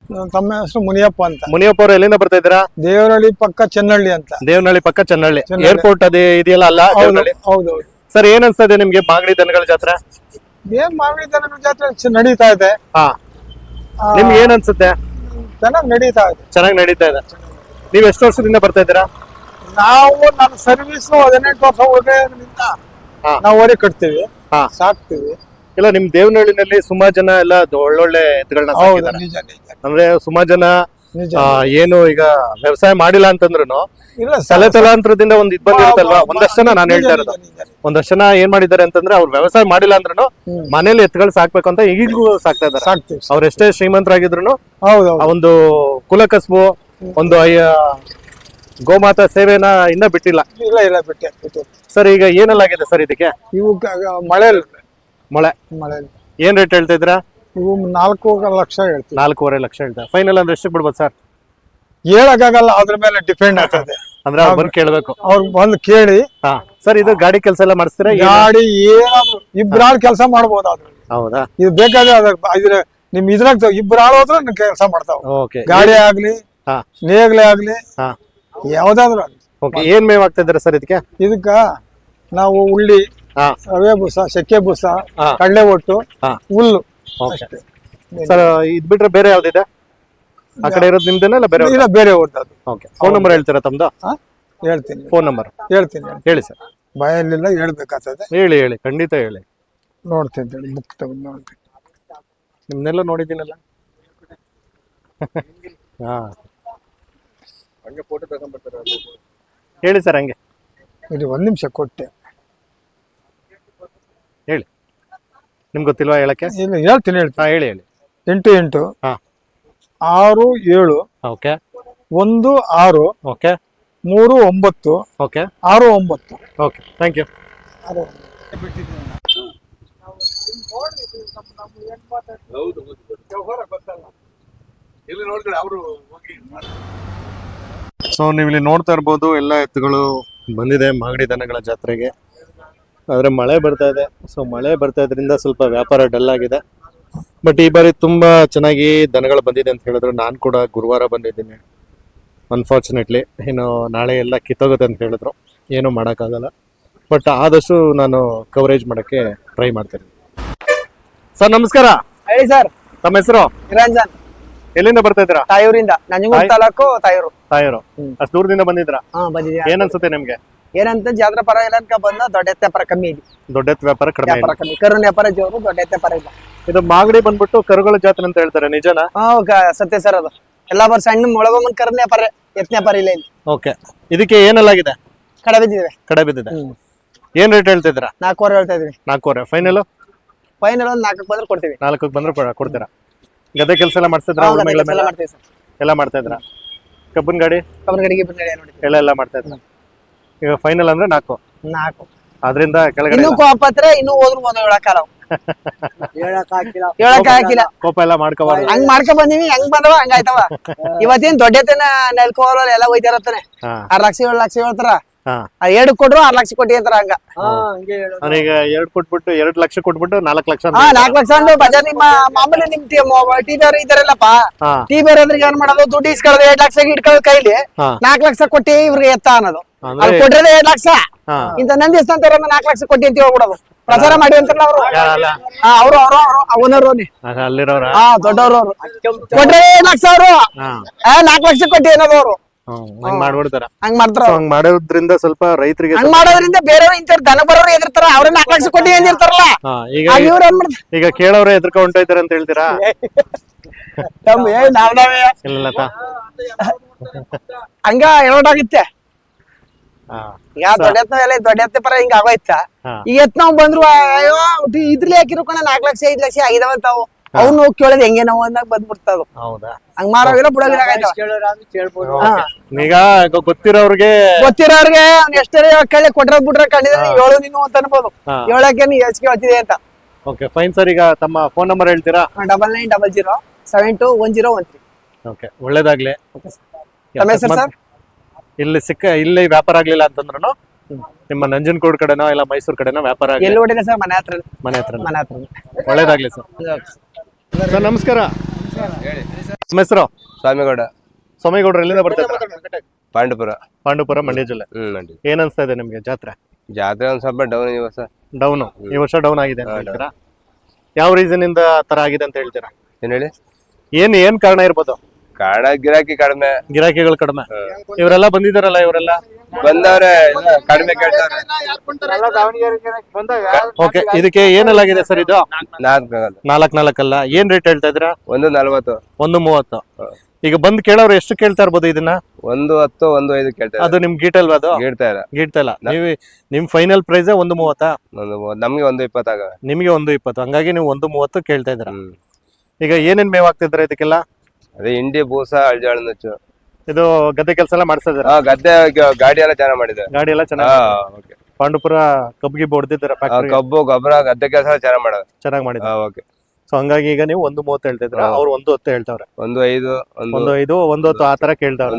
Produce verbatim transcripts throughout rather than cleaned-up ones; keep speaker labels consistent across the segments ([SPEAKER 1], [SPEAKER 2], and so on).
[SPEAKER 1] ತಮ್ಮ ಹೆಸರು ಮುನಿಯಪ್ಪ ಅಂತ.
[SPEAKER 2] ಮುನಿಯಪ್ಪ ಅವರು ಎಲ್ಲಿಂದ ಬರ್ತಾ ಇದ್ದೀರಾ?
[SPEAKER 1] ದೇವನಹಳ್ಳಿ ಪಕ್ಕ ಚೆನ್ನಹಳ್ಳಿ ಅಂತ.
[SPEAKER 2] ದೇವನಹಳ್ಳಿ ಪಕ್ಕ ಚೆನ್ನಹಳ್ಳಿ ಏರ್ಪೋರ್ಟ್ ಅದೇ ಇದೆಯಲ್ಲ ಅಲ್ಲ?
[SPEAKER 1] ಹೌದೌದು
[SPEAKER 2] ಸರ್, ಏನ್ ಅನ್ಸ್ತದೆ ನಿಮ್ಗೆ ಮಾಗಡಿ ದನಗಳ ಜಾತ್ರೆ?
[SPEAKER 1] ಏನ್ ಮಾಗಡಿ ದನಗಳ ಜಾತ್ರೆ ನಡೀತಾ ಇದೆ.
[SPEAKER 2] ಹಾ, ನಿಮ್ಗೆ ಏನ್ ಅನ್ಸುತ್ತೆ?
[SPEAKER 1] ಚೆನ್ನಾಗಿ ನಡೀತಾ ಇದೆ.
[SPEAKER 2] ಚೆನ್ನಾಗಿ ನಡೀತಾ ಇದೆ. ನೀವ್ ಎಷ್ಟು ವರ್ಷದಿಂದ ಬರ್ತಾ ಇದ್ದೀರಾ?
[SPEAKER 1] ನಾವು ನಮ್ಮ ಸರ್ವಿಸ್ ಹದಿನೆಂಟು ವರ್ಷ ಉಳಿದ್ರಿಂದ ನಾವು ಓರಿ ಕಟ್ತೀವಿ, ಸಾಕ್ತಿವಿ.
[SPEAKER 2] ಇಲ್ಲ, ನಿಮ್ ದೇವನಹಳ್ಳಿನಲ್ಲಿ ಸುಮಾರು ಜನ ಎಲ್ಲ ಒಳ್ಳೊಳ್ಳೆ ಎತ್ತುಗಳನ್ನ ಸಾಕಿದ್ದಾರೆ. ಅಂದ್ರೆ ಸುಮಾರು ಜನ ಏನು ಈಗ ವ್ಯವಸಾಯ ಮಾಡಿಲ್ಲ ಅಂತಂದ್ರು ತಲೆ ತಲಾಂತರದಿಂದ ಒಂದ್ ಇದ್ ಬಂದಿರುತ್ತಲ್ವಾ. ಒಂದಷ್ಟು ಜನ ನಾನು ಹೇಳ್ತಾ ಇರೋದು, ಒಂದಷ್ಟು ಜನ ಏನ್ ಮಾಡಿದ್ದಾರೆ ಅಂತಂದ್ರೆ ಅವ್ರು ವ್ಯವಸಾಯ ಮಾಡಿಲ್ಲ ಅಂದ್ರೂ ಮನೇಲಿ ಎತ್ತುಗಳು ಸಾಕ್ಬೇಕು ಅಂತ ಈಗೂ ಸಾಕ್ತಾ ಇದ್ದಾರೆ. ಅವ್ರ ಎಷ್ಟೇ ಶ್ರೀಮಂತರಾಗಿದ್ರು ಒಂದು ಕುಲ ಕಸಬು, ಒಂದು ಗೋಮಾತಾ ಸೇವೆನ ಇನ್ನ ಬಿಟ್ಟಿಲ್ಲ.
[SPEAKER 1] ಇಲ್ಲ ಇಲ್ಲ ಬಿಟ್ಟೆ.
[SPEAKER 2] ಸರ್, ಈಗ ಏನೆಲ್ಲಾಗಿದೆ ಸರ್ ಇದಕ್ಕೆ?
[SPEAKER 1] ಇವು ಮಳೆ
[SPEAKER 2] ಮಳೆ
[SPEAKER 1] ಮಳೆ
[SPEAKER 2] ಏನ್ ರೇಟ್ ಹೇಳ್ತಾ ಇದ್ರ?
[SPEAKER 1] ಇವು ನಾಲ್ಕು ಲಕ್ಷ ಹೇಳ್ತೀವಿ.
[SPEAKER 2] ನಾಲ್ಕೂವರೆ ಲಕ್ಷ ಹೇಳ್ತಾರೆ. ಫೈನಲ್ ಅಂದ್ರೆ ಎಷ್ಟು ಬಿಡ್ಬೋದು ಸರ್?
[SPEAKER 1] ಹೇಳಕ್ಕಾಗಲ್ಲ, ಅದ್ರ ಮೇಲೆ ಡಿಪೆಂಡ್ ಆಗ್ತದೆ.
[SPEAKER 2] ಅಂದ್ರೆ ಅವ್ರು ಬಂದು ಕೇಳ್ಬೇಕು.
[SPEAKER 1] ಅವ್ರು ಬಂದು ಕೇಳಿ.
[SPEAKER 2] ಹಾ ಸರ್, ಇದು ಗಾಡಿ ಕೆಲಸ ಎಲ್ಲ ಮಾಡಿಸ್ತೀರಾ?
[SPEAKER 1] ಗಾಡಿ ಏನಾದ್ರು ಇಬ್ರಾಳ್ ಕೆಲಸ ಮಾಡ್ಬೋದು. ಅದ್ರ
[SPEAKER 2] ಹೌದಾ? ಇದು
[SPEAKER 1] ಬೇಕಾದ್ರೆ ಅದ್ರ ನಿಮ್ ಇದ್ರಾಗ ಇಬ್ರಾಳ್ ಹೋದ್ರೆ ಕೆಲಸ ಮಾಡ್ತಾವ. ಗಾಡಿ ಆಗ್ಲಿ ನೇಗ್ಲೆ ಆಗ್ಲಿ ಯಾವ್ದಾದ್ರು.
[SPEAKER 2] ಏನ್ ಮೇವ್ ಆಗ್ತಾ ಇದಾರೆ ಸರ್ ಇದಕ್ಕೆ?
[SPEAKER 1] ಇದಕ್ಕ ನಾವು ಉಳ್ಳಿ, ರವೆ ಬೂಸ, ಚಕ್ಕೆ ಬೂಸ, ಕಡಲೆ ಒಟ್ಟು, ಹುಲ್ಲು.
[SPEAKER 2] ಸರ್, ಇದ್ ಬಿಟ್ರೆ ಬೇರೆ ಯಾವ್ದಿದೆ? ಆ ಕಡೆ ಇರೋದು ನಿಮ್ದೇನ ಇಲ್ಲ ಬೇರೆ?
[SPEAKER 1] ಇಲ್ಲ, ಬೇರೆ ಹೊಡ್ದದು.
[SPEAKER 2] ಓಕೆ, ಫೋನ್ ನಂಬರ್ ಹೇಳ್ತೀರಾ ತಮ್ದು?
[SPEAKER 1] ಹೇಳ್ತೀನಿ.
[SPEAKER 2] ಫೋನ್ ನಂಬರ್
[SPEAKER 1] ಹೇಳ್ತೀನಿ.
[SPEAKER 2] ಹೇಳಿ ಸರ್.
[SPEAKER 1] ಭಯಲ್ಲಿಲ್ಲ, ಹೇಳ್ಬೇಕಾಗ್ತದೆ.
[SPEAKER 2] ಹೇಳಿ ಹೇಳಿ ಖಂಡಿತ ಹೇಳಿ.
[SPEAKER 1] ನೋಡ್ತೀನಿ, ಬುಕ್ ತಗೊಂಡು ನೋಡ್ತೀನಿ.
[SPEAKER 2] ನಿಮ್ನೆಲ್ಲ ನೋಡಿದ್ದೀನಲ್ಲ. ಹಾ, ಹೇಳಿ ಸರ್. ಹಂಗೆ
[SPEAKER 1] ಇದು ಒಂದ್ ನಿಮಿಷ ಕೊಟ್ಟೆ.
[SPEAKER 2] ಹೇಳಿ. ನಿಮ್ಗೆ ಗೊತ್ತಿಲ್ವಾ ಹೇಳಕ್ಕೆ?
[SPEAKER 1] ಇಲ್ಲ, ಹೇಳ್ತೀನಿ ಹೇಳ್ತೀನಿ.
[SPEAKER 2] ಹೇಳಿ ಹೇಳಿ.
[SPEAKER 1] ಎಂಟು ಎಂಟು
[SPEAKER 2] ಹಾ
[SPEAKER 1] ಆರು ಏಳು
[SPEAKER 2] ಓಕೆ
[SPEAKER 1] ಒಂದು ಆರು
[SPEAKER 2] ಓಕೆ
[SPEAKER 1] ಮೂರು ಒಂಬತ್ತು
[SPEAKER 2] ಓಕೆ
[SPEAKER 1] ಆರು ಒಂಬತ್ತು.
[SPEAKER 2] Okay, thank you. ಸೊ ನೀವು ಇಲ್ಲಿ ನೋಡ್ತಾ ಇರ್ಬೋದು, ಎಲ್ಲ ಎತ್ತುಗಳು ಬಂದಿದೆ ಮಾಗಡಿ ದನಗಳ ಜಾತ್ರೆಗೆ. ಆದರೆ ಮಳೆ ಬರ್ತಾ ಇದೆ. ಸೊ ಮಳೆ ಬರ್ತಾ ಇದ್ರಿಂದ ಸ್ವಲ್ಪ ವ್ಯಾಪಾರ ಡಲ್ ಆಗಿದೆ. ಬಟ್ ಈ ಬಾರಿ ತುಂಬ ಚೆನ್ನಾಗಿ ದನಗಳು ಬಂದಿದೆ ಅಂತ ಹೇಳಿದ್ರು. ನಾನು ಕೂಡ ಗುರುವಾರ ಬಂದಿದ್ದೀನಿ. ಅನ್ಫಾರ್ಚುನೇಟ್ಲಿ ಏನು ನಾಳೆ ಎಲ್ಲ ಕಿತ್ತೋಗುತ್ತೆ ಅಂತ ಹೇಳಿದ್ರು. ಏನೂ ಮಾಡೋಕ್ಕಾಗಲ್ಲ. ಬಟ್ ಆದಷ್ಟು ನಾನು ಕವರೇಜ್ ಮಾಡೋಕ್ಕೆ ಟ್ರೈ ಮಾಡ್ತೀನಿ. ಸರ್, ನಮಸ್ಕಾರ.
[SPEAKER 3] ಹೇಳಿ ಸರ್.
[SPEAKER 2] ತಮ್ಮ ಹೆಸರು?
[SPEAKER 3] ನಿರಂಜನ್.
[SPEAKER 2] ಎಲ್ಲಿಂದ ಬರ್ತಾ ಇದ್ದೀರಾ?
[SPEAKER 3] ತಾಯೂರಿಂದ. ನಂಜನಗೂಡು ತಾಲೂಕು ತಾಯೂರು.
[SPEAKER 2] ತಾಯೂರು. ಅಷ್ಟು ದೂರದಿಂದ ಬಂದಿದ್ರಾ?
[SPEAKER 3] ಹಾ, ಬಂದಿದ್ದೀರಾ.
[SPEAKER 2] ಏನ್ ಅನ್ಸುತ್ತೆ ನಿಮ್ಗೆ?
[SPEAKER 3] ಏನಂತ ಜಾತ್ರೆ ಪರ ಇಲ್ಲ ಅನ್ಕ ಬಂದ. ದೊಡ್ಡ ಎತ್ತ ವ್ಯಾಪಾರ ಕಮ್ಮಿ ಇದೆ.
[SPEAKER 2] ದೊಡ್ಡ ಎತ್ತ ವ್ಯಾಪಾರ ಕಡಿಮೆ
[SPEAKER 3] ವ್ಯಾಪಾರ ಕಮ್ಮಿ. ಕರುನ್ ವ್ಯಾಪಾರ ಜೋರು, ದೊಡ್ಡ ಎತ್ತ ವ್ಯಾಪಾರ ಇಲ್ಲ.
[SPEAKER 2] ಇದು ಮಾಗಡಿ ಬಂದ್ಬಿಟ್ಟು ಕರುಗಳ ಜಾತ್ರೆ ಅಂತ ಹೇಳ್ತಾರೆ, ನಿಜನಾ?
[SPEAKER 3] ಹಾ, ಸತ್ಯ ಸರ್. ಅದು ಎಲ್ಲಾ ಬರ್ ಸಣ್ಣ ಮೊಳಗೊಮ್ಮನ್ ಕರುನ್ ವ್ಯಾಪಾರ, ಎತ್ತ ವ್ಯಾಪಾರ ಇಲ್ಲ ಇಲ್ಲಿ.
[SPEAKER 2] ಓಕೆ, ಇದಕ್ಕೆ ಏನೆಲ್ಲಾಗಿದೆ?
[SPEAKER 3] ಕಡೆ ಬಿದ್ದಿದೆ.
[SPEAKER 2] ಕಡೆ ಬಿದ್ದಿದೆ. ಏನ್ ರೇಟ್ ಹೇಳ್ತಿದ್ದೀರಾ?
[SPEAKER 3] ನಾಲ್ಕೂವರೆ ಹೇಳ್ತಾ ಇದೀವಿ.
[SPEAKER 2] ನಾಲ್ಕೂವರೆ. ಫೈನಲ್?
[SPEAKER 3] ಫೈನಲ್ ಒಂದ್ ನಾಲ್ಕಕ್ಕೆ ಬಂದ್ರೆ ಕೊಡ್ತೀವಿ.
[SPEAKER 2] ನಾಲ್ಕಕ್ಕೆ ಬಂದ್ರೆ ಕೊಡ್ತೀರಾ? ಗದ್ದೆ ಕೆಲಸ ಎಲ್ಲ ಮಾಡ್ತಿದ್ರ? ಎಲ್ಲ ಮಾಡ್ತಾ ಇದ್ರ? ಕಬ್ಬನ್ ಗಾಡಿ
[SPEAKER 3] ಕಬ್ಬನ್ ಗಾಡಿಗೆ
[SPEAKER 2] ಎಲ್ಲ ಎಲ್ಲ ಮಾಡ್ತಾ ಇದ್ರ? ಈಗ ಫೈನಲ್ ಅಂದ್ರೆ ನಾಲ್ಕು
[SPEAKER 3] ನಾಲ್ಕು
[SPEAKER 2] ಅದರಿಂದ ಕೆಳಗಡೆ
[SPEAKER 3] ಇನ್ನೂ ಕೋಪತ್ರೆ ಇನ್ನೂ ಹೋದ್ರು ಬಂದು ಹೇಳಕ್ಕಾಗಲ್ಲ. ಹೇಳಕ್ ಹಾಕಿಲ್ಲ ಹೇಳಕ್ ಹಾಕಿಲ್ಲ
[SPEAKER 2] ಕೋಪ ಎಲ್ಲ ಮಾಡ್ಕೋಬಾರ್ದು.
[SPEAKER 3] ಹಂಗ್ ಮಾಡ್ಕೊ ಬಂದಿವಿ, ಹೆಂಗ್ ಬಂದವ ಹಂಗಾಯ್ತವ. ಇವತ್ತೇನ್ ದೊಡ್ಡತನ ನೆಲ್ಕೋಲ್ಲ ಎಲ್ಲ ಹೋಯ್ತಿರತ್ತಾನೆ. ಆರ್ ಲಕ್ಷ ಏಳು ಲಕ್ಷ ಹೇಳ್ತಾರ. ಎರಡು ಕೊಟ್ರು ಆರ್ ಲಕ್ಷ ಕೊಟ್ಟಿ ಅಂತಾರ. ಹಂಗ
[SPEAKER 2] ಈಗ ಎರಡ್ ಕೊಟ್ಬಿಟ್ಟು ಎರಡ್ ಲಕ್ಷ ಕೊಟ್ಬಿಟ್ಟು ನಾಲ್ಕು ಲಕ್ಷ
[SPEAKER 3] ಹಾ ನಾಲ್ಕು ಲಕ್ಷ ಅಂದ್ರೆ ಬಜಾರ್ ನಿಮ್ಮ ಮಾಮೂಲಿ ನಿಮ್ ಟಿ ಬೇರೆ ಇದಾರಲ್ಲಪ್ಪ. ಟಿ ಬೇರೆ ಅಂದ್ರೆ ಏನ್ ಮಾಡೋದು? ದುಡ್ಡು ಇಸ್ಕೊಳ್ಳೋದು ಎರಡ್ ಲಕ್ಷ ಇಟ್ಕೊಳ್ಳೋದು ಕೈಲಿ. ನಾಲ್ಕು ಲಕ್ಷ ಕೊಟ್ಟಿ ಇವ್ರಿಗೆ ಎತ್ತ ಅನ್ನೋದು. ಅಲ್ಲಿ ಕೊಟ್ರೆ ಎರಡ್ ಲಕ್ಷ ಇಂತ ನಂದಿ ಅಂತಾರ ನಾಲ್ಕು ಲಕ್ಷ ಕೊಟ್ಟಿ ಅಂತ ಹೇಳ್ಬಿಡೋದು. ಪ್ರಚಾರ ಮಾಡಿ ಅಂತಾರಲ್ಲ ಅವರು. ಅವ್ರು ಅವ್ರು ಅವನವ್ರು
[SPEAKER 2] ಅಲ್ಲಿರೋರ
[SPEAKER 3] ಹಾ ದೊಡ್ಡವ್ರು ಅವ್ರು ಕೊಟ್ರೆ ಎರಡ್ ಲಕ್ಷ ಅವರು ನಾಲ್ಕು ಲಕ್ಷ ಕೊಟ್ಟಿ ಅನ್ನೋದು ಅವರು.
[SPEAKER 2] ಹಂಗ್ ಮಾಡ್ಬಿಡ್ತಾರ.
[SPEAKER 3] ಹಂಗ್ ಮಾಡ್ತಾರ.
[SPEAKER 2] ಹಂಗ್ ಮಾಡೋದ್ರಿಂದ ಸ್ವಲ್ಪ ರೈತರಿಗೆ
[SPEAKER 3] ಹಂಗ್ ಮಾಡೋದ್ರಿಂದ ಬೇರೆಯವ್ರು ಇಂತ ದನ ಬರೋರು ಎದಿರ್ತಾರ. ಅವ್ರೇ ನಾಲ್ಕು ಲಕ್ಷ ಕೊಟ್ಟಿ ಅಂದಿರ್ತಾರಲ್ಲ.
[SPEAKER 2] ಈಗ ಕೇಳೋರೆ ಎದ್ರಕ ಹೊಂಟೋಯ್ತಾರ ಅಂತ ಹೇಳ್ತೀರಾ? ಇಲ್ಲ
[SPEAKER 3] ಹಂಗ ಹೇಳೋಟಾಗುತ್ತೆ. ಈಗ ದೊಡ್ಡ ಎತ್ತ ದೊಡ್ಡ ಎತ್ತ ಪರ ಹಿಂಗ ಆಗೋಯ್ತ. ಈಗ ಎತ್ ನಾವ್ ಬಂದ್ರು ಅಯ್ಯೋ ಇದ್ರಲ್ಲಿ ಹಾಕಿರೋ ಕಣ ನಾಲ್ಕು ಲಕ್ಷ ಐದ್ ಲಕ್ಷ ಆಗಿದಾವಂತಾವು. ಅವ್ನು ಕೇಳೋದ್ ಹೆಂಗೆ ನಾವು ಅಂದಾಗ ಬಂದ್ಬಿಡ್ತಾವ. ಹಂಗ ಮಾರೋಗಿಲ್ಲ ಬಿಡೋಗಿಲ್ಲ.
[SPEAKER 2] ಈಗ ಗೊತ್ತಿರೋರ್ಗೆ
[SPEAKER 3] ಗೊತ್ತಿರೋರ್ಗೆ ಎಷ್ಟೇ ಕೇಳಿ ಕೊಟ್ರ ಬಿಟ್ರೆ ಕಂಡಿದ್ರೆ ಏಳು ನೀನು ಅಂತ ಅನ್ಬೋದು. ಏಳಕ್ಕೆ ನೀ ಹೆಚ್ಚಿಗೆ ಹೇಳ್ತಿದೆ ಅಂತ.
[SPEAKER 2] Okay fine sir. ಈಗ ತಮ್ಮ ಫೋನ್ ನಂಬರ್ ಹೇಳ್ತೀರಾ?
[SPEAKER 3] Double nine double zero seven two one zero one three.
[SPEAKER 2] Okay, ಒಳ್ಳೇದಾಗ್ಲಿ.
[SPEAKER 3] ತಮ್ಮ ಹೆಸರು ಸರ್?
[SPEAKER 2] ಇಲ್ಲಿ ಸಿಕ್ಕ ಇಲ್ಲಿ ವ್ಯಾಪಾರ ಆಗ್ಲಿಲ್ಲ ಅಂತಂದ್ರು ನಿಮ್ಮ ನಂಜನಗೂಡು ಕಡೆನೋ ಇಲ್ಲ ಮೈಸೂರು ಕಡೆನೋ ವ್ಯಾಪಾರ
[SPEAKER 3] ಎಲ್ಲಿ ಹೊಡಿದೆ ಸರ್? ಮನೆ ಹತ್ರ.
[SPEAKER 2] ಮನೆ ಹತ್ರ.
[SPEAKER 3] ಮನೆ ಹತ್ರ.
[SPEAKER 2] ಒಳ್ಳೇದಾಗ್ಲಿ ಸರ್. ಸರ್ ನಮಸ್ಕಾರ. ನಿಮ್ಮ ಹೆಸರು?
[SPEAKER 4] ಸ್ವಾಮಿಗೌಡ.
[SPEAKER 2] ಸ್ವಾಮಿಗೌಡರು ಎಲ್ಲಿಂದ ಬರ್ತಾ ಇದ್ದೀರಾ?
[SPEAKER 4] ಪಾಂಡುಪುರ.
[SPEAKER 2] ಪಾಂಡುಪುರ, ಮಂಡ್ಯ ಜಿಲ್ಲೆ.
[SPEAKER 4] ಹ್ಮ್ ಮಂಡ್ಯ.
[SPEAKER 2] ಏನ್ ಅನ್ಸ್ತಾ ಇದೆ ನಿಮ್ಗೆ ಜಾತ್ರೆ?
[SPEAKER 4] ಜಾತ್ರೆ ಒಂದ್ ಸ್ವಲ್ಪ ಡೌನ್ ಈ ವರ್ಷ.
[SPEAKER 2] ಡೌನ್ ಈ ವರ್ಷ ಡೌನ್ ಆಗಿದೆ ಅಂತ ಹೇಳ್ತೀರಾ? ಯಾವ ರೀಸನ್ ಇಂದ ತರ ಆಗಿದೆ ಅಂತ ಹೇಳ್ತೀರಾ?
[SPEAKER 4] ಏನ್ ಹೇಳಿ?
[SPEAKER 2] ಏನ್ ಏನ್ ಕಾರಣ ಇರ್ಬೋದು?
[SPEAKER 4] ಕಾರಣ ಗಿರಾಕಿ ಕಡಿಮೆ.
[SPEAKER 2] ಗಿರಾಕಿಗಳು ಕಡಿಮೆ. ಇವರೆಲ್ಲ ಬಂದಿದಾರಲ್ಲ, ಇವರೆಲ್ಲ
[SPEAKER 4] ಬಂದವ್ರೆ ಕಡಿಮೆ ಕೇಳ್ತಾವ್ರೆ.
[SPEAKER 2] ಓಕೆ, ಇದಕ್ಕೆ ಏನೆಲ್ಲಾಗಿದೆ ಸರ್? ಇದು
[SPEAKER 4] ನಾಲ್ಕು
[SPEAKER 2] ನಾಲ್ಕ್ ನಾಲ್ಕಲ್ಲ, ಏನ್ ರೇಟ್ ಹೇಳ್ತಾ ಇದ್ದೀರಾ?
[SPEAKER 4] ಒಂದು ನಲ್ವತ್ತು.
[SPEAKER 2] ಒಂದು ಮೂವತ್ತು. ಈಗ ಬಂದ್ ಕೇಳೋರು ಎಷ್ಟು ಕೇಳ್ತಾ ಇರ್ಬೋದು ಇದನ್ನ?
[SPEAKER 4] ಒಂದು ಹತ್ತು ಒಂದು ಐದು ಕೇಳ್ತಾರೆ.
[SPEAKER 2] ಅದು ನಿಮ್ ಗೀಟಲ್ವಾ? ಅದು
[SPEAKER 4] ಗೀಡ್ತಾ ಇಲ್ಲ.
[SPEAKER 2] ಗೀಡ್ತಾ ಇಲ್ಲ. ನೀವು ನಿಮ್ ಫೈನಲ್ ಪ್ರೈಸ್ ಒಂದು ಮೂವತ್ತಾ?
[SPEAKER 4] ಒಂದು ನಮ್ಗೆ ಒಂದು ಇಪ್ಪತ್ತಾಗ.
[SPEAKER 2] ನಿಮಗೆ ಒಂದು ಇಪ್ಪತ್ತು, ಹಂಗಾಗಿ ನೀವು ಒಂದು ಮೂವತ್ತು ಕೇಳ್ತಾ ಇದ್ದೀರಾ. ಈಗ ಏನೇನ್ ಮೇವ್ ಆಗ್ತಿದ್ರ ಇದಕ್ಕೆಲ್ಲ?
[SPEAKER 4] ಅದೇ ಹಿಂಡಿ, ಬೂಸ, ಅಳ್ಜಾಳ ನುಚ್ಚು.
[SPEAKER 2] ಇದು ಗದ್ದೆ ಕೆಲಸ ಎಲ್ಲ ಮಾಡಿಸ್ತಾ ಇದ್ದೀರಾ?
[SPEAKER 4] ಹಾ, ಗದ್ದೆ ಗಾಡಿ ಎಲ್ಲ ಚೆನ್ನಾಗ್ ಮಾಡಿದೆ.
[SPEAKER 2] ಗಾಡಿ ಎಲ್ಲ ಚೆನ್ನಾಗಿ ಪಾಂಡುಪುರ ಕಬ್ಬಿಗೆ ಹೊಡೆದಿದ್ದೀರಾ?
[SPEAKER 4] ಕಬ್ಬು ಗೊಬ್ಬರ ಗದ್ದೆ ಕೆಲಸ ಚೆನ್ನಾಗ್ ಮಾಡೋದು.
[SPEAKER 2] ಚೆನ್ನಾಗಿ ಮಾಡಿದ.
[SPEAKER 4] ಓಕೆ.
[SPEAKER 2] ಸೊ ಹಂಗಾಗಿ ಈಗ ನೀವು ಒಂದು ಮೂವತ್ತು ಹೇಳ್ತಾ ಇದ್ರ, ಅವ್ರು ಒಂದು ಹತ್ತು ಹೇಳ್ತಾವ್ರೆ.
[SPEAKER 4] ಒಂದು ಐದು
[SPEAKER 2] ಒಂದು ಐದು ಒಂದು ಹತ್ತು ಆತರ ಕೇಳ್ತಾವ್ರೆ.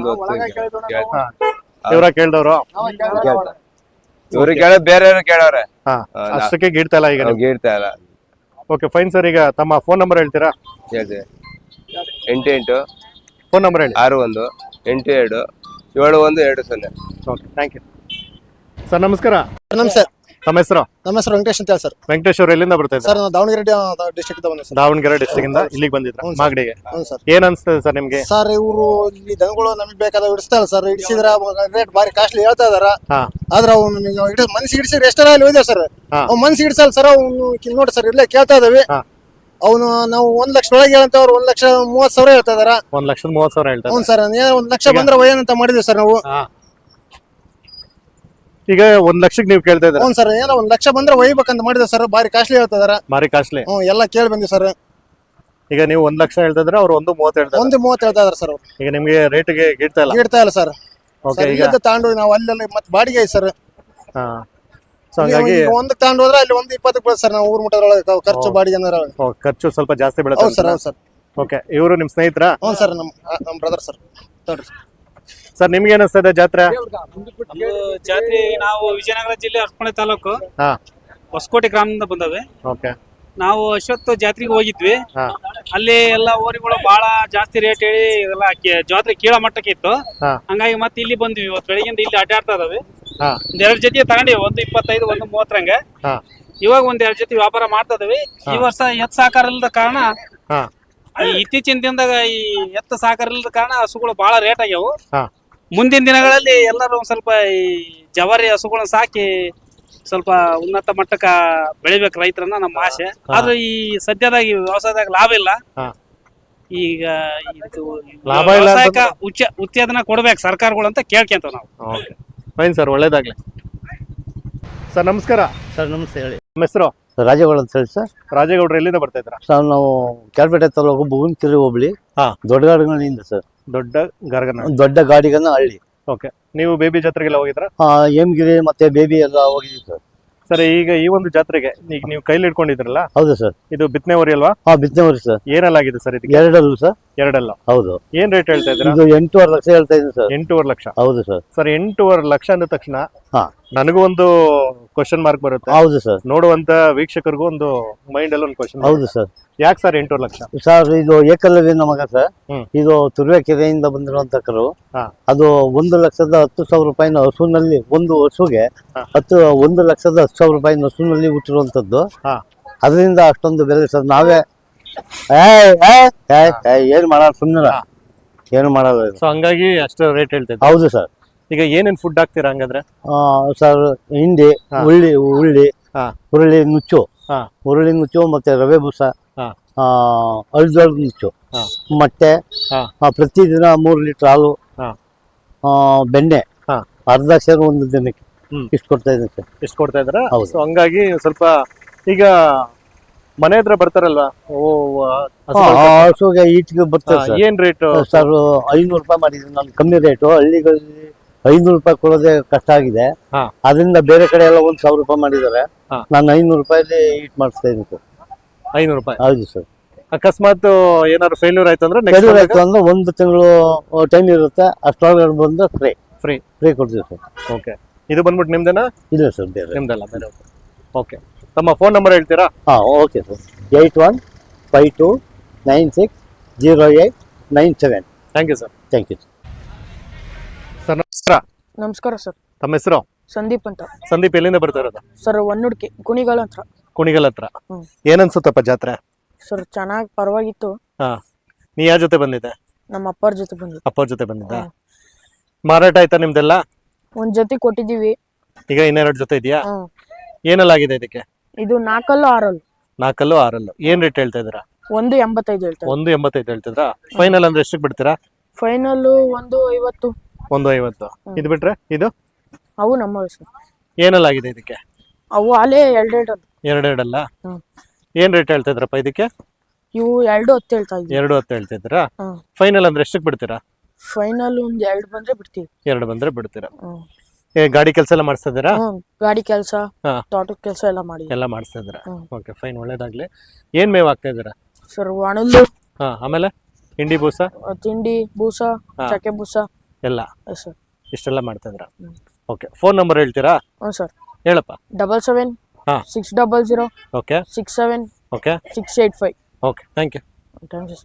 [SPEAKER 2] ಇವ್ರ ಕೇಳ್ದವ್ರು?
[SPEAKER 4] ಇವ್ರಿಗೆ ಕೇಳ ಬೇರೆ ಕೇಳವ್ರೆ.
[SPEAKER 2] ಹಾ, ಅಷ್ಟಕ್ಕೆ ಗೀಡ್ತಾ ಇಲ್ಲ ಈಗ?
[SPEAKER 4] ಗೀಡ್ತಾ ಇಲ್ಲ.
[SPEAKER 2] Okay fine sir. ಈಗ ತಮ್ಮ ಫೋನ್ ನಂಬರ್ ಹೇಳ್ತೀರಾ?
[SPEAKER 4] ಹೇಳ್ತೀವಿ. ಎಂಟು ಎಂಟು
[SPEAKER 2] ಫೋನ್ ನಂಬರ್ ಹೇಳಿ.
[SPEAKER 4] ಆರು ಒಂದು ಎಂಟು ಎರಡು ಏಳು ಒಂದು ಎರಡು ಸೊನ್ನೆ.
[SPEAKER 2] Okay, thank you sir. ನಮಸ್ಕಾರ.
[SPEAKER 5] ನಮಸ್ತೆ.
[SPEAKER 2] ತಮ್ಮ ಹೆಸರು?
[SPEAKER 5] ನಮ್ಮ ಹೆಸರು ವೆಂಕಟೇಶ್ ಅಂತ ಹೇಳಿ ಸರ್.
[SPEAKER 2] ವೆಂಕಟೇಶ್ ಅವರು ಎಲ್ಲಿಂದ ಬರ್ತಾ ಇದ್ದಾರೆ
[SPEAKER 5] ಸರ್? ನಾವು ದಾವಣಗೆರೆ ಡಿಸ್ಟ್ರಿಕ್ಟ್ ಬಂದೆ ಸರ್.
[SPEAKER 2] ದಾವಣಗೆರೆ ಡಿಸ್ಟ್ರಿಕ್ಟ್ ಇಂದ ಇಲ್ಲಿಗೆ ಬಂದಿದ್ರ ಮಾಗಡಿಗೆ?
[SPEAKER 5] ಹ್ಞೂ ಸರ್.
[SPEAKER 2] ಏನ್ ಅನ್ಸ್ತದೆ ಸರ್ ನಿಮ್ಗೆ?
[SPEAKER 5] ಸರ್ ಇವರು ಇಲ್ಲಿ ದನಗಳು ನಮಗೆ ಬೇಕಾದ ಹಿಡಿಸ್ತಾ ಇಲ್ಲ ಸರ್. ಹಿಡಿಸಿದ್ರ ರೇಟ್ ಬಾರಿ ಕಾಸ್ಟ್ಲಿ ಹೇಳ್ತಾ ಇದಾರ. ಆದ್ರೆ ಅವ್ನು ಮನ್ಸಿಗೆ ಹಿಡಿಸಿದ್ರೆ ಎಷ್ಟರ ಅಲ್ಲಿ ಹೋಯ್ದೆ ಸರ್. ಅವ್ನು ಮನ್ಸಿಗೆ ಹಿಡಿಸಲ್ಲ ಸರ್. ಅವ್ನು ನೋಡಿ ಸರ್ ಇಲ್ಲೇ ಕೇಳ್ತಾ ಇದಾವೆ. ಅವನು ನಾವು ಒಂದ್ ಲಕ್ಷ ಒಳಗೆ ಹೇಳಂತ ಅವ್ರು ಒಂದ್ ಲಕ್ಷ ಮೂವತ್ ಸಾವಿರ ಹೇಳ್ತಾ ಇದಾರ.
[SPEAKER 2] ಒಂದ್ ಲಕ್ಷದ ಮೂವತ್ ಸಾವಿರ ಹೇಳ್ತಾರೆ.
[SPEAKER 5] ಹ್ಞೂ ಸರ್. ಒಂದ್ ಲಕ್ಷ ಬಂದ್ರೆ ಒಯ್ಯನಂತ ಮಾಡಿದ್ವಿ ಸರ್ ನಾವು.
[SPEAKER 2] ಈಗ ಒಂದ್ ಲಕ್ಷಕ್ಕೆ ನೀವು ಕೇಳ್ತಾ ಇದ್ದೀರಾ?
[SPEAKER 5] ಹ್ಞೂ ಸರ್. ಏನೋ ಒಂದ್ ಲಕ್ಷ ಬಂದ್ರೆ ಒಯ್ಬೇಕಂತ ಮಾಡಿದ್ವಿ ಸರ್. ಬಾರಿ ಕಾಸ್ಟ್ಲಿ ಹೇಳ್ತಾ ಇದಾರ.
[SPEAKER 2] ಬಾರಿ ಕಾಸ್ಟ್ಲಿ.
[SPEAKER 5] ಹ್ಞೂ, ಎಲ್ಲ ಕೇಳಿ ಬಂದ್ವಿ ಸರ್.
[SPEAKER 2] ಈಗ ನೀವು ಒಂದ್ ಲಕ್ಷ ಹೇಳ್ತಾ ಇದ್ರೆ ಅವ್ರು ಒಂದು ಮೂವತ್ತು ಹೇಳ್ತಾರೆ.
[SPEAKER 5] ಒಂದು ಮೂವತ್ತು ಹೇಳ್ತಾ ಇದಾರೆ ಸರ್.
[SPEAKER 2] ಈಗ ನಿಮ್ಗೆ ರೇಟ್ಗೆ ಗಿಡ್ತಾ ಇಲ್ಲ?
[SPEAKER 5] ಗಿಡ್ತಾ ಇಲ್ಲ ಸರ್.
[SPEAKER 2] ಓಕೆ. ಈಗ
[SPEAKER 5] ತಗೊಂಡು ನಾವು ಅಲ್ಲೆಲ್ಲ ಮತ್ತೆ ಬಾಡಿಗೆ ಐತೆ ಸರ್.
[SPEAKER 2] ಹಾ, ಸೊ ಹಂಗಾಗಿ
[SPEAKER 5] ಒಂದಕ್ಕೆ ತಗೊಂಡು ಹೋದ್ರೆ ಅಲ್ಲಿ ಒಂದು ಇಪ್ಪತ್ತಕ್ಕೆ ಬೀಳುತ್ತೆ ಸರ್. ನಾವು ಊರ್ ಮುಟ್ಟದ್ರೊಳಗೆ ಖರ್ಚು ಬಾಡಿಗೆ ಅಂದ್ರೆ
[SPEAKER 2] ಖರ್ಚು ಸ್ವಲ್ಪ ಜಾಸ್ತಿ ಬೀಳುತ್ತೆ.
[SPEAKER 5] ಹೌದು ಸರ್. ಹೌದು ಸರ್.
[SPEAKER 2] ಓಕೆ. ಇವರು ನಿಮ್ ಸ್ನೇಹಿತರ?
[SPEAKER 5] ಹ್ಞೂ ಸರ್. ನಮ್ಮ ನಮ್ಮ ಬ್ರದರ್ ಸರ್. ತೋರಿ
[SPEAKER 2] ಸರ್, ನಿಮ್ಗೆ ಏನಿಸ್ತದೆ ಜಾತ್ರೆ?
[SPEAKER 6] ಜಾತ್ರೆ ನಾವು ವಿಜಯನಗರ ಜಿಲ್ಲೆ ಅರ್ಪಣೆ ತಾಲೂಕು ಹೊಸಕೋಟೆ ಗ್ರಾಮದಿಂದ ಬಂದವೆ.
[SPEAKER 2] ಓಕೆ.
[SPEAKER 6] ನಾವು ಅಶ್ವತ್ಥ ಜಾತ್ರೆಗೆ ಹೋಗಿದ್ವಿ. ಅಲ್ಲಿ ಎಲ್ಲ ಓರಿಗಳು ಬಹಳ ಜಾಸ್ತಿ ರೇಟ್ ಹೇಳಿ ಎಲ್ಲ ಜಾತ್ರೆ ಕೀಳ ಮಟ್ಟಕ್ಕೆ ಇತ್ತು. ಹಂಗಾಗಿ ಮತ್ತೆ ಇಲ್ಲಿ ಬಂದ್ವಿ. ಇವತ್ತು ಬೆಳಿಗ್ಗೆ ಇಲ್ಲಿ ಅಡ್ಡಾಡ್ತಾ ಇದಾವೆ. ಒಂದ್ ಎರಡ್ ಜೊತೆ ತಗೊಂಡಿವಿ. ಒಂದು ಇಪ್ಪತ್ತೈದು ಒಂದು ಮೂವತ್ತರಂಗೆ. ಇವಾಗ ಒಂದ್ ಎರಡ್ ಜೊತೆ ವ್ಯಾಪಾರ ಮಾಡ್ತಾ ಇದಾವೆ. ಈ ವರ್ಷ ಎತ್ ಸಾಕಾರ ಇಲ್ಲದ ಕಾರಣ, ಈ ಇತ್ತೀಚಿನ ದಿನದಾಗ ಈ ಎತ್ತ ಸಾಕಾರ ಇಲ್ಲದ ಕಾರಣ ಹಸುಗಳು ಬಹಳ ರೇಟ್ ಆಗ್ಯಾವು. ಮುಂದಿನ ದಿನಗಳಲ್ಲಿ ಎಲ್ಲರೂ ಒಂದ್ ಸ್ವಲ್ಪ ಈ ಜವಾರಿ ಹಸುಗಳನ್ನ ಸಾಕಿ ಸ್ವಲ್ಪ ಉನ್ನತ ಮಟ್ಟಕ್ಕ ಬೆಳಿಬೇಕು ರೈತರನ್ನ ನಮ್ಮ ಆಸೆ. ಆದ್ರೆ ಈ ಸದ್ಯದಾಗ ಈ ವ್ಯವಸಾಯದಾಗ ಲಾಭ ಇಲ್ಲ. ಈಗ ಇದು ವ್ಯವಸಾಯಕ್ಕ ಉಚ್ಚ ಉತ್ತೇಜನ ಕೊಡ್ಬೇಕು ಸರ್ಕಾರಗಳು ಅಂತ ಕೇಳ್ಕೊಂತ ನಾವು.
[SPEAKER 2] ಫೈನ್ ಸರ್, ಒಳ್ಳೇದಾಗ್ಲಿ ಸರ್. ನಮಸ್ಕಾರ
[SPEAKER 7] ಸರ್. ನಮಸ್ತೆ, ಹೇಳಿ.
[SPEAKER 2] ನಮ್ಮ ಹೆಸರು?
[SPEAKER 7] ರಾಜೇಗೌಡ ಅಂತ ಹೇಳಿ ಸರ್.
[SPEAKER 2] ರಾಜೇಗೌಡರು ಎಲ್ಲಿಂದ ಬರ್ತಾ ಇದ್ರ?
[SPEAKER 7] ಸರ್ ನಾವು ಕ್ಯಾಲ್ಪೇಟೆ ತಾಲೂಕು ಬುಗುನ್ಕೆರೆ ಹೋಬಳಿ ದೊಡ್ಡ ಗಾಡಿಗಳಿಂದ ಸರ್.
[SPEAKER 2] ದೊಡ್ಡ ಗರ್ಗನ
[SPEAKER 7] ದೊಡ್ಡ ಗಾಡಿಗನ್ನ ಹಳ್ಳಿ.
[SPEAKER 2] ಓಕೆ. ನೀವು ಬೇಬಿ ಜಾತ್ರೆಗೆಲ್ಲ ಹೋಗಿದ್ರ?
[SPEAKER 7] ಹಾ, ಹೇಮಗಿರಿ ಮತ್ತೆ ಬೇಬಿ ಎಲ್ಲ ಹೋಗಿದ್ದೀವಿ ಸರ್.
[SPEAKER 2] ಸರ್, ಈಗ ಈ ಒಂದು ಜಾತ್ರೆಗೆ ಈಗ ನೀವು ಕೈಲಿ ಇಟ್ಕೊಂಡಿದ್ರಲ್ಲ?
[SPEAKER 7] ಹೌದು ಸರ್.
[SPEAKER 2] ಇದು ಬಿತ್ತನೆ ಹೊರಿ ಅಲ್ವಾ?
[SPEAKER 7] ಹಾ, ಬಿತ್ತನೆ ಹೊರಿ ಸರ್.
[SPEAKER 2] ಏನೆಲ್ಲಾಗಿದೆ ಸರ್ ಇದಕ್ಕೆ?
[SPEAKER 7] ಎರಡಲ್ಲೂ ಸರ್.
[SPEAKER 2] ಎರಡಲ್ಲ?
[SPEAKER 7] ಹೌದು.
[SPEAKER 2] ಏನ್ ರೇಟ್ ಹೇಳ್ತಾ ಇದ್ದೀರಾ?
[SPEAKER 7] ಇದು ಎಂಟೂವರೆ ಲಕ್ಷ ಹೇಳ್ತಾ ಇದ್ದೀನಿ ಸರ್.
[SPEAKER 2] ಎಂಟೂವರೆ ಲಕ್ಷ?
[SPEAKER 7] ಹೌದು ಸರ್.
[SPEAKER 2] ಸರ್, ಎಂಟೂವರೆ ಲಕ್ಷ ಅಂದ ತಕ್ಷಣ
[SPEAKER 7] ಹಾ
[SPEAKER 2] ನನಗೂ ಒಂದು ಕ್ವಶನ್ ಮಾರ್ಕ್ ಬರುತ್ತೆ.
[SPEAKER 7] ಹೌದು ಸರ್.
[SPEAKER 2] ನೋಡುವಂತ ವೀಕ್ಷಕರಿಗೂ ಒಂದು ಮೈಂಡ್ ಅಲ್ಲಿ ಒಂದು ಕ್ವಶನ್.
[SPEAKER 7] ಹೌದು ಸರ್.
[SPEAKER 2] ಯಾಕೆ ಸರ್ ಎಂಟೂವರೆ ಲಕ್ಷ?
[SPEAKER 7] ಸರ್, ಇದು ಏಕಲವ್ಯನ ಮಗ ಸರ್. ಇದು ತುರುವೇಕೆರೆಯಿಂದ ಬಂದಿರುವಂತ ಕರು. ಅದು ಒಂದು ಲಕ್ಷದ ಹತ್ತು ಸಾವಿರ ರೂಪಾಯಿನ ಹಸುನಲ್ಲಿ, ಒಂದು ಹಸುಗೆ ಹತ್ತು ಒಂದು ಲಕ್ಷದ ಹತ್ತು ಸಾವಿರ ರೂಪಾಯಿನ ಹಸುನಲ್ಲಿ ಹುಟ್ಟಿರುವಂತದ್ದು. ಅದರಿಂದ ಅಷ್ಟೊಂದು ಬೆಲೆ ಸರ್. ನಾವೇ ಏನ್ ಮಾಡಲ್ಲ, ಸುಮ್ಮನೆ ಏನು ಮಾಡಲ್ಲ.
[SPEAKER 2] ಸೊ ಹಂಗಾಗಿ ಅಷ್ಟು ರೇಟ್ ಹೇಳ್ತಾ ಇದ್ದೀವಿ.
[SPEAKER 7] ಹೌದು ಸರ್.
[SPEAKER 2] ಈಗ ಏನೇನ್ ಫುಡ್ ಹಾಕ್ತೀರಾ ಹಂಗಾದ್ರೆ?
[SPEAKER 7] ಸರ್, ಹಿಂಡಿ, ಉಳ್ಳಿ ಉಳ್ಳಿ ಹುರುಳಿ ನುಚ್ಚು, ಹುರುಳಿ ನುಚ್ಚು ಮತ್ತೆ ರವೆ ಬೂಸ, ಅಳ್ಜೋಳ ನುಚ್ಚು, ಮೊಟ್ಟೆ, ಪ್ರತಿದಿನ ಮೂರು ಲೀಟರ್ ಹಾಲು, ಬೆಣ್ಣೆ ಅರ್ಧ ಸೇರು ಒಂದು ದಿನಕ್ಕೆ ಇಷ್ಟು ಕೊಡ್ತಾ ಇದ್ದೀನಿ ಸರ್.
[SPEAKER 2] ಇಷ್ಟು ಕೊಡ್ತಾ ಇದ್ರ?
[SPEAKER 7] ಹೌದು.
[SPEAKER 2] ಹಂಗಾಗಿ ಸ್ವಲ್ಪ ಈಗ ಮನೆ ಹತ್ರ ಬರ್ತಾರಲ್ವಾ,
[SPEAKER 7] ಹಸುಗೆ ಈಟಿಗೆ ಬರ್ತಾರೆ.
[SPEAKER 2] ಏನ್ ರೇಟ್
[SPEAKER 7] ಸರ್? ಐನೂರು ರೂಪಾಯಿ ಮಾಡಿದ್ದೀನಿ ನಾನು. ಕಮ್ಮಿ ರೇಟು. ಹಳ್ಳಿಗಳಲ್ಲಿ ಐನೂರು ರೂಪಾಯಿ ಕೊಡೋದೇ ಕಷ್ಟ ಆಗಿದೆ. ಅದರಿಂದ ಬೇರೆ ಕಡೆ ಎಲ್ಲ ಒಂದ್ ಸಾವಿರ ರೂಪಾಯಿ ಮಾಡಿದ್ದಾರೆ. ನಾನು ಐನೂರು ರೂಪಾಯಿಲಿ ಈಟ್ ಮಾಡಿಸ್ತಾ ಇದ್ದೀನಿ ಸರ್.
[SPEAKER 2] ಐನೂರು ರೂಪಾಯಿ?
[SPEAKER 7] ಹೌದು ಸರ್.
[SPEAKER 2] ಅಕಸ್ಮಾತ್ ಏನಾದ್ರು ಫೇಲ್ಯೂರ್ ಆಯ್ತು ಅಂದ್ರೆ?
[SPEAKER 7] ಫೇಲ್ಯೂರ್ ಆಯ್ತು ಅಂದ್ರೆ ಒಂದು ತಿಂಗಳು ಟೈಮ್ ಇರುತ್ತೆ. ಅಷ್ಟೊಳಗಡೆ ಬಂದ್ರೆ ಫ್ರೀ
[SPEAKER 2] ಫ್ರೀ
[SPEAKER 7] ಫ್ರೀ ಕೊಡ್ತೀವಿ ಸರ್.
[SPEAKER 2] ಓಕೆ. ಇದು ಬಂದ್ಬಿಟ್ಟು ನಿಮ್ದೇನಾ?
[SPEAKER 7] ಇಲ್ಲ ಸರ್, ಬೇರೆ.
[SPEAKER 2] ನಿಮ್ದಲ್ಲ, ಬೇರೆ. ಓಕೆ. ತಮ್ಮ ಫೋನ್ ನಂಬರ್ ಹೇಳ್ತೀರಾ?
[SPEAKER 7] ಹಾ, okay sir. Eight one five two nine six zero eight nine seven.
[SPEAKER 2] Thank you sir.
[SPEAKER 7] Thank you.
[SPEAKER 2] Sir ನಮಸ್ಕಾರ.
[SPEAKER 8] ನಮಸ್ಕಾರ ಸರ್.
[SPEAKER 2] ತಮ್ಮ ಹೆಸರು?
[SPEAKER 8] ಸಂದೀಪ್ ಅಂತ.
[SPEAKER 2] ಸಂದೀಪ್ ಎಲ್ಲಿಂದ ಬರ್ತಾ ಇರೋದು?
[SPEAKER 8] ಸರ್ ಒನ್ನುಡ್ಕಿ ಕುಣಿಗಲ್ ಹತ್ರ.
[SPEAKER 2] ಕುಣಿಗಲ್ ಹತ್ರ.
[SPEAKER 8] ಹ್ಮ್.
[SPEAKER 2] ಏನನ್ಸುತ್ತಪ್ಪ ಜಾತ್ರೆ?
[SPEAKER 8] ಸರ್ ಚೆನ್ನಾಗಿ ಪರವಾಗಿತ್ತು.
[SPEAKER 2] ಹಾ, ನೀ ಯಾರ ಜೊತೆ ಬಂದಿದ್ದೆ?
[SPEAKER 8] ನಮ್ಮ ಅಪ್ಪರ ಜೊತೆ ಬಂದಿದ್ದು.
[SPEAKER 2] ಅಪ್ಪರ ಜೊತೆ ಬಂದಿದ್ದ. ಮಾರಾಟ ಆಯ್ತಾ ನಿಮ್ದೆಲ್ಲ?
[SPEAKER 8] ಒಂದ್ ಜೊತೆ ಕೊಟ್ಟಿದೀವಿ.
[SPEAKER 2] ಈಗ ಇನ್ನೆರಡು ಜೊತೆ ಇದೆಯಾ?
[SPEAKER 8] ಹ್ಮ್.
[SPEAKER 2] ಏನೆಲ್ಲ ಆಗಿದೆ ಇದಕ್ಕೆ?
[SPEAKER 8] ಇದು ನಾಲ್ಕಲ್ಲು ಆರಲ್ಲು.
[SPEAKER 2] ನಾಲ್ಕಲ್ಲು ಆರಲ್ಲು. ಏನ್ ರೇಟ್ ಹೇಳ್ತಾ ಇದ್ದೀರಾ?
[SPEAKER 8] ಒಂದು ಎಂಬತ್ತೈದು ಹೇಳ್ತಾರೆ.
[SPEAKER 2] ಒಂದು ಎಂಬತ್ತೈದು ಹೇಳ್ತಿದ್ರಾ? ಫೈನಲ್ ಅಂದ್ರೆ ಎಷ್ಟಕ್ಕೆ ಬಿಡ್ತೀರಾ?
[SPEAKER 8] ಫೈನಲ್ ಒಂದು ಐವತ್ತು.
[SPEAKER 2] ಒಂದು ಐವತ್ತು. ಇದು ಬಿಟ್ರೆ ಇದು?
[SPEAKER 8] ಅವು ನಮ್ಮ ವಯಸ್ಸು.
[SPEAKER 2] ಏನೆಲ್ಲ ಆಗಿದೆ ಇದಕ್ಕೆ?
[SPEAKER 8] ಅವು ಅಲ್ಲೇ ಎರಡೆರಡು.
[SPEAKER 2] ಎರಡೆರಡಲ್ಲ?
[SPEAKER 8] ಹ್ಮ್.
[SPEAKER 2] ಏನ್ ರೇಟ್ ಹೇಳ್ತಾ ಇದ್ರಪ್ಪ ಇದಕ್ಕೆ?
[SPEAKER 8] ಇವು ಎರಡು ಹತ್ತು ಹೇಳ್ತಾ ಇದ್ವಿ.
[SPEAKER 2] ಎರಡು ಹತ್ತು ಹೇಳ್ತಾ ಇದ್ದೀರಾ?
[SPEAKER 8] ಹ್ಮ್.
[SPEAKER 2] ಫೈನಲ್ ಅಂದ್ರೆ ಎಷ್ಟಕ್ಕೆ ಬಿಡ್ತೀರಾ?
[SPEAKER 8] ಫೈನಲ್ ಒಂದ್ ಎರಡು ಬಂದ್ರೆ ಬಿಡ್ತೀವಿ.
[SPEAKER 2] ಎರಡು ಬಂದ್ರೆ ಬಿಡ್ತೀರಾ?
[SPEAKER 8] ಹ್ಮ್.
[SPEAKER 2] ಏ ಗಾಡಿ ಕೆಲಸ ಎಲ್ಲ ಮಾಡಿಸ್ತಾ ಇದ್ದೀರಾ?
[SPEAKER 8] ಹ್ಮ್. ಗಾಡಿ ಕೆಲಸ,
[SPEAKER 2] ಹಾ.
[SPEAKER 8] ತೋಟದ ಕೆಲಸ ಎಲ್ಲ ಮಾಡಿ.
[SPEAKER 2] ಎಲ್ಲ ಮಾಡಿಸ್ತಾ ಇದ್ದೀರಾ?
[SPEAKER 8] ಹ್ಮ್.
[SPEAKER 2] ಓಕೆ ಫೈನ್, ಒಳ್ಳೇದಾಗ್ಲಿ. ಏನ್ ಮೇವ್ ಆಗ್ತಾ ಇದ್ದೀರಾ?
[SPEAKER 8] ಸರ್ ಒಣಲ್ಲು,
[SPEAKER 2] ಹಾ, ಆಮೇಲೆ ಹಿಂಡಿ ಬೂಸ,
[SPEAKER 8] ತಿಂಡಿ ಬೂಸ,
[SPEAKER 2] ಹಾ.
[SPEAKER 8] ಚಕ್ಕೆ ಬೂಸ
[SPEAKER 2] ಎಲ್ಲ
[SPEAKER 8] ಸರ್.
[SPEAKER 2] ಇಷ್ಟೆಲ್ಲ ಮಾಡ್ತಾ ಇದ್ದೀರಾ?
[SPEAKER 8] ಹ್ಮ್.
[SPEAKER 2] ಓಕೆ, ಫೋನ್ ನಂಬರ್ ಹೇಳ್ತೀರಾ?
[SPEAKER 8] ಹ್ಞೂ ಸರ್.
[SPEAKER 2] ಹೇಳಪ್ಪ.
[SPEAKER 8] ಡಬಲ್ ಸೆವೆನ್
[SPEAKER 2] ಹಾ.
[SPEAKER 8] Six double zero
[SPEAKER 2] okay
[SPEAKER 8] six seven
[SPEAKER 2] okay
[SPEAKER 8] six eight five.
[SPEAKER 2] Okay, thank you.
[SPEAKER 8] Thank you.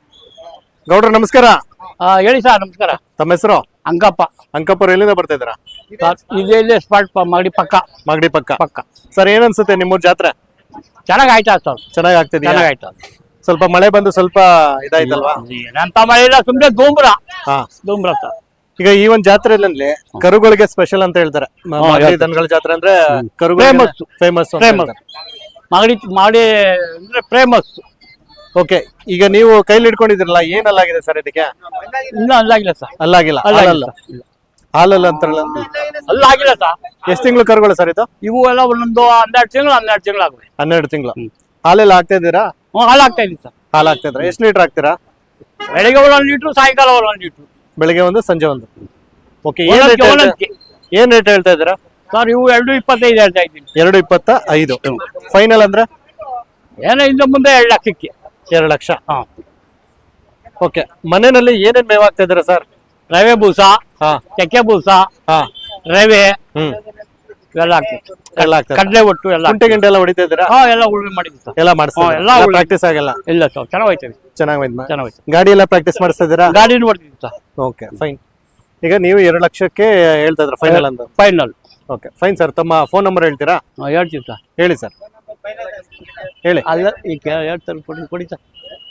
[SPEAKER 2] ಗೌಡ್ರ ನಮಸ್ಕಾರ.
[SPEAKER 9] ಹೇಳಿ ಸರ್. ನಮಸ್ಕಾರ.
[SPEAKER 2] ತಮ್ಮ ಹೆಸರು?
[SPEAKER 9] ಅಂಕಪ್ಪ.
[SPEAKER 2] ಅಂಕಪ್ಪರು ಎಲ್ಲಿಂದ ಬರ್ತಾ ಇದ್ದೀರಾ?
[SPEAKER 9] ಇಲ್ಲೇ ಇಲ್ಲೇ ಸ್ಪಾಟ್ ಮಾಗಡಿ ಪಕ್ಕ.
[SPEAKER 2] ಮಾಗಡಿ ಪಕ್ಕ.
[SPEAKER 9] ಪಕ್ಕ.
[SPEAKER 2] ಸರ್ ಏನ್ ಅನ್ಸುತ್ತೆ ನಿಮ್ಮೂರ್ ಜಾತ್ರೆ?
[SPEAKER 9] ಚೆನ್ನಾಗ್ ಆಯ್ತಾ ಸರ್?
[SPEAKER 2] ಚೆನ್ನಾಗ್ ಆಗ್ತಿದ್ಯಾ?
[SPEAKER 9] ಚೆನ್ನಾಗ್ ಆಯ್ತಾ.
[SPEAKER 2] ಸ್ವಲ್ಪ ಮಳೆ ಬಂದು ಸ್ವಲ್ಪ ಇದಾಯ್ತಲ್ವಾ?
[SPEAKER 9] ಏನಂತ ಮಳೆ ಇಲ್ಲ, ಸುಮ್ನೆ ಧೂಮ್ರ.
[SPEAKER 2] ಹಾ,
[SPEAKER 9] ಧೂಮ್ರ ಸರ್.
[SPEAKER 2] ಈಗ ಈ ಒಂದ್ ಜಾತ್ರೆಯಲ್ಲಿ ಕರುಗಳಿಗೆ ಸ್ಪೆಷಲ್ ಅಂತ ಹೇಳ್ತಾರೆ. ಮ- ಮಾಗಡಿ ದನಗಳ ಜಾತ್ರೆ ಅಂದ್ರೆ ಕರುಗಳಿಗೆ
[SPEAKER 9] Famous.
[SPEAKER 2] ಫೇಮಸ್.
[SPEAKER 9] ಫೇಮಸ್ ಮಾಗಡಿ ಮಾಡಿ ಅಂದ್ರೆ ಫೇಮಸ್.
[SPEAKER 2] ಓಕೆ, ಈಗ ನೀವು ಕೈಲಿ ಹಿಡ್ಕೊಂಡಿದ್ರಲ್ಲ, ಏನಲ್ಲಾಗಿದೆ ಸರ್ ಇದಕ್ಕೆ?
[SPEAKER 9] ಇನ್ನೂ ಅಲ್ಲಾಗಿಲ್ಲ ಸರ್.
[SPEAKER 2] ಅಲ್ಲಾಗಿಲ್ಲ?
[SPEAKER 9] ಅಲ್ಲಾಗಿಲ್ಲ.
[SPEAKER 2] ಹಾಲಲ್ಲ ಅಂತಾರಲ್ಲ,
[SPEAKER 9] ಅಲ್ಲಾಗಿಲ್ಲ ಸರ್.
[SPEAKER 2] ಎಷ್ಟ್ ತಿಂಗಳು ಕರುಗಳು ಸರ್ ಇದು?
[SPEAKER 9] ಇವು ಎಲ್ಲ ಒಂದೊಂದು ಹನ್ನೆರಡು ತಿಂಗಳು ಹನ್ನೆರಡು ತಿಂಗಳು ಆಗ್ತವೆ.
[SPEAKER 2] ಹನ್ನೆರಡು ತಿಂಗಳು. ಹಾಲೆಲ್ಲ ಹಾಕ್ತಾ ಇದ್ದೀರಾ?
[SPEAKER 9] ಹ್ಞೂ ಹಾಲು ಆಗ್ತಾ ಇದೀವಿ ಸರ್.
[SPEAKER 2] ಹಾಲು ಹಾಕ್ತಾ ಇದ್ರ? ಎಷ್ಟು ಲೀಟರ್ ಹಾಕ್ತೀರಾ?
[SPEAKER 9] ಬೆಳಿಗ್ಗೆ ಒಂದೊಂದು ಲೀಟ್ರು, ಸಾಯಂಕಾಲ ಒಂದೊಂದು ಲೀಟ್ರು.
[SPEAKER 2] ಬೆಳಿಗ್ಗೆ ಒಂದು, ಸಂಜೆ ಒಂದು. ಓಕೆ, ಏನ್
[SPEAKER 9] ಒಂದೊಂದ್ಕೆ
[SPEAKER 2] ರೇಟ್
[SPEAKER 9] ಒಂದೊಂದ್ಕೆ.
[SPEAKER 2] ಏನ್ ರೇಟ್ ಹೇಳ್ತಾ ಇದ್ದೀರಾ?
[SPEAKER 9] ಸರ್ ಇವು ಎರಡು ಇಪ್ಪತ್ತೈದು ಹೇಳ್ತಾ ಇದ್ದೀನಿ.
[SPEAKER 2] ಎರಡು ಇಪ್ಪತ್ತ ಐದು. ಫೈನಲ್ ಅಂದ್ರೆ
[SPEAKER 9] ಏನೋ ಇಂದ ಮುಂದೆ ಎರಡು ಲಕ್ಷಕ್ಕೆ.
[SPEAKER 2] ಎರಡು ಲಕ್ಷ.
[SPEAKER 9] ಹಾ.
[SPEAKER 2] ಓಕೆ, ಮನೆಯಲ್ಲಿ ಏನೇನ್ ಮೇವ್ ಆಗ್ತಾ ಇದ್ದೀರಾ ಸರ್?
[SPEAKER 9] ರವೆ ಬೂಸ,
[SPEAKER 2] ಹಾ
[SPEAKER 9] ಚಕ್ಕೆ ಬೂಸ,
[SPEAKER 2] ಹಾ
[SPEAKER 9] ರವೆ
[SPEAKER 2] ಹ್ಮ್
[SPEAKER 9] ಎಲ್ಲ ಆಗ್ತದೆ.
[SPEAKER 2] ಎಲ್ಲ ಆಗ್ತದೆ.
[SPEAKER 9] ಕಡಲೆ ಒಟ್ಟು ಎಲ್ಲ
[SPEAKER 2] ಕುಂಟೆ ಗಿಂಟೆ ಎಲ್ಲ ಹೊಡಿತಾ ಇದ್ದೀರಾ?
[SPEAKER 9] ಹಾ ಎಲ್ಲ ಉಳುಮೆ ಮಾಡಿದ್ವಿ ಸರ್.
[SPEAKER 2] ಎಲ್ಲ
[SPEAKER 9] ಹಾ,
[SPEAKER 2] ಮಾಡಿಸ್ತಾ
[SPEAKER 9] ಎಲ್ಲ ಉಳ್ಮೆ.
[SPEAKER 2] ಪ್ರಾಕ್ಟೀಸ್ ಆಗಲ್ಲ?
[SPEAKER 9] ಇಲ್ಲ ಸರ್, ಚೆನ್ನಾಗ್ ಹೋಯ್ತೇವೆ.
[SPEAKER 2] ಚೆನ್ನಾಗಿ
[SPEAKER 9] ಚೆನ್ನಾಗ್
[SPEAKER 2] ಗಾಡಿ ಎಲ್ಲ ಪ್ರಾಕ್ಟೀಸ್ ಮಾಡಿಸ್ತಾ ಇದ್ದೀರಾ?
[SPEAKER 9] ಗಾಡಿನ ಹೊಡ್ತೀವಿ ಸರ್.
[SPEAKER 2] Okay fine. ಈಗ ನೀವು ಎರಡು ಲಕ್ಷಕ್ಕೆ ಹೇಳ್ತಾ ಇದ್ರ ಫೈನಲ್ ಅಂತ?
[SPEAKER 9] ಫೈನಲ್.
[SPEAKER 2] Okay fine sir. ತಮ್ಮ ಫೋನ್ ನಂಬರ್ ಹೇಳ್ತೀರಾ?
[SPEAKER 9] ಹೇಳ್ತೀವಿ ಸರ್.
[SPEAKER 2] ಹೇಳಿ ಸರ್, ಹೇಳಿ.
[SPEAKER 9] ಅಲ್ಲ ಈಗ ಹೇಳ್ತಾರೆ, ಕೊಡಿ ಕೊಡಿ ಸರ್.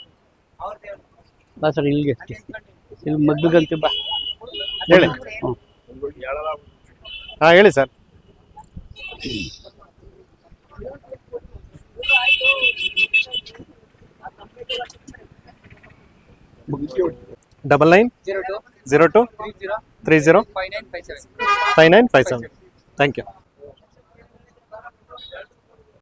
[SPEAKER 9] ಬಾ ಸರ್, ಇಲ್ಲಿಗೆ ಇಲ್ಲಿ ಮಗ್ಗಂತೆ ಬಾ
[SPEAKER 2] ಹೇಳಿ.
[SPEAKER 9] ಹ್ಞೂ.
[SPEAKER 2] ಹಾ ಹೇಳಿ sir. Double nine zero two three zero five nine five seven. Thank you.